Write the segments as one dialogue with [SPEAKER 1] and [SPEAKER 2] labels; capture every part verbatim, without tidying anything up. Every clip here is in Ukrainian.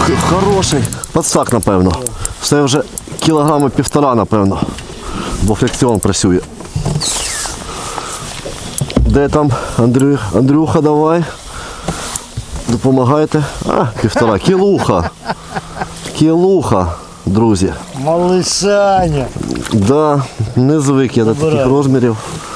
[SPEAKER 1] Ух, хороший. Подсак, напевно. Це вже кілограми півтора, напевно. Бо фрикціон працює. Де там Андрю... Андрюха, давай. Допомагайте. А, півтора. Кілуха. Кілуха, друзі.
[SPEAKER 2] Малишаня.
[SPEAKER 1] Да, не звик я до таких розмірів.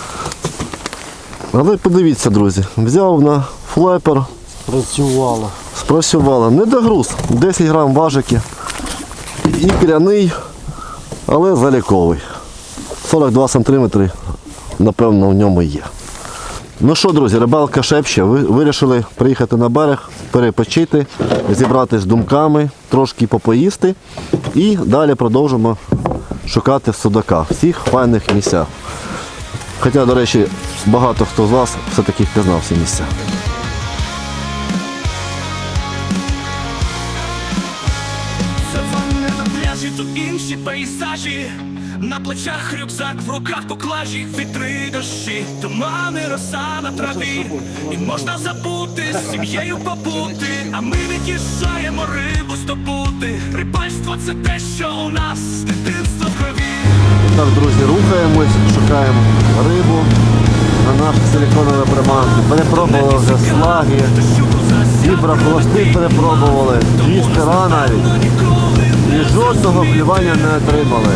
[SPEAKER 1] Але подивіться, друзі, взяв на флайпер.
[SPEAKER 2] Спрацювало.
[SPEAKER 1] Спрацювало. Не догруз. десять грам важики. І кряний, але заліковий. сорок два сантиметри, напевно, в ньому є. Ну що, друзі, рибалка шепче. Ви вирішили приїхати на берег, перепочити, зібратися з думками, трошки попоїсти. І далі продовжимо шукати судака в всіх файних місцях. Хоча, до речі, багато хто з вас все-таки впізнав ці місця.
[SPEAKER 3] Саванни на пляжі, тут інші пейзажі. На плечах рюкзак, в руках поклажі. Вітри, дощі, тумани, роса на траві. І можна забути, з сім'єю побути. А ми від'їжджаємо рибу здобути. Рибальство – це те, що у нас з дитинства в крові.
[SPEAKER 1] Так, друзі, рухаємось, шукаємо рибу на наші силіконові приманки. Перепробували вже слаги, вібра хвости перепробували, двістера навіть. І жодного клювання не отримали.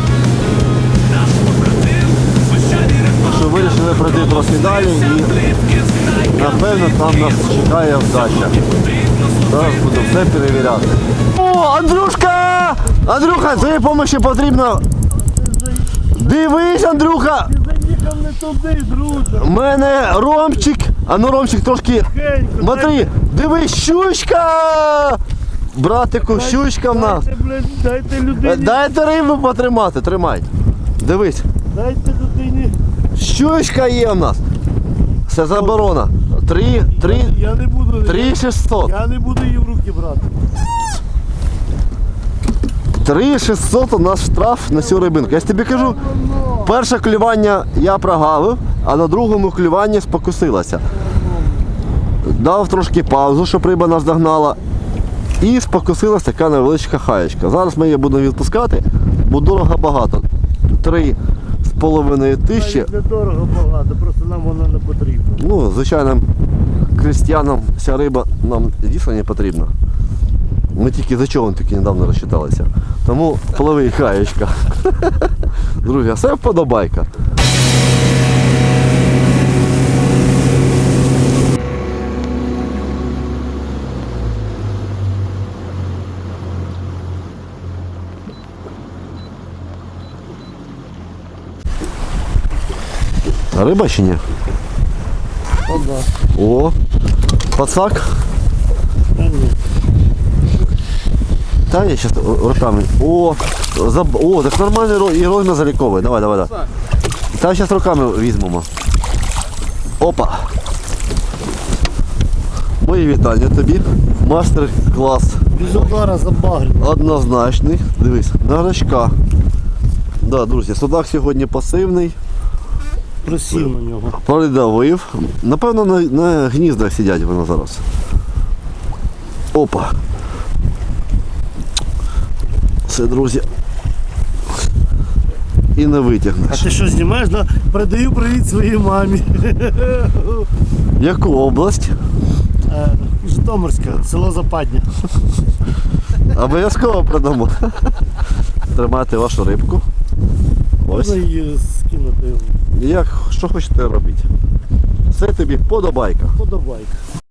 [SPEAKER 1] Що вирішили пройти трохи далі і напевно там нас чекає вдача. Зараз буду все перевіряти. О, Андрюшка! Андрюха, твоєї допомоги потрібно. Дивись, Андрюха!
[SPEAKER 2] Ти заїхав не туди, друже.
[SPEAKER 1] У мене Ромчик. А ну, Ромчик, трошки. Смотри, дивись, щучка! Братику, щучка в нас.
[SPEAKER 2] Дайте, блядь, дайте людині.
[SPEAKER 1] Дайте рибу потримати, тримай. Дивись.
[SPEAKER 2] Дайте людині.
[SPEAKER 1] Щучка є в нас. Це заборона. Три, три,
[SPEAKER 2] Я не буду.
[SPEAKER 1] три шістсот.
[SPEAKER 2] Я не буду її в руки брати.
[SPEAKER 1] Три шістсот у нас штраф на цю рибинку. Я ж тобі кажу, перше клювання я прогавив, а на другому клюванні спокусилася. Дав трошки паузу, щоб риба нас догнала. І спокусилася така невеличка хаєчка. Зараз ми її будемо відпускати, бо дорого багато. Три з половиною тисячі.
[SPEAKER 2] Не дорого багато, просто нам вона не потрібна.
[SPEAKER 1] Ну, звичайним крестьянам ця риба нам дійсно не потрібна. Ми тільки за човен тільки недавно розчиталися. Тому пливи хаєчка. Друзі, а це вподобайка. Риба чи ні?
[SPEAKER 2] О, да.
[SPEAKER 1] О, пацак.
[SPEAKER 2] Та ні.
[SPEAKER 1] Та я зараз руками. О, заб... О, так нормальний ро... і розмір заліковий. Давай, давай, давай. Та зараз руками візьмемо. Опа. Мої вітання тобі. Мастер-клас.
[SPEAKER 2] Без удара забагрив.
[SPEAKER 1] Однозначний. Дивись, на гачка. Да, друзі, судак сьогодні пасивний.
[SPEAKER 2] Просів на нього.
[SPEAKER 1] Придавив. Напевно, на, на гніздах сидять вони зараз. Опа. Все, друзі. І не
[SPEAKER 2] А
[SPEAKER 1] витягнеш.
[SPEAKER 2] ти що знімаєш? Да? Передаю привіт своїй мамі.
[SPEAKER 1] Яку область?
[SPEAKER 2] Е, Житомирська, село Западня.
[SPEAKER 1] Обов'язково продамо. Тримайте вашу рибку. Ось.
[SPEAKER 2] Можна її скинути.
[SPEAKER 1] Як, що хочете робити. Це тобі подобайка.
[SPEAKER 2] Подобайка.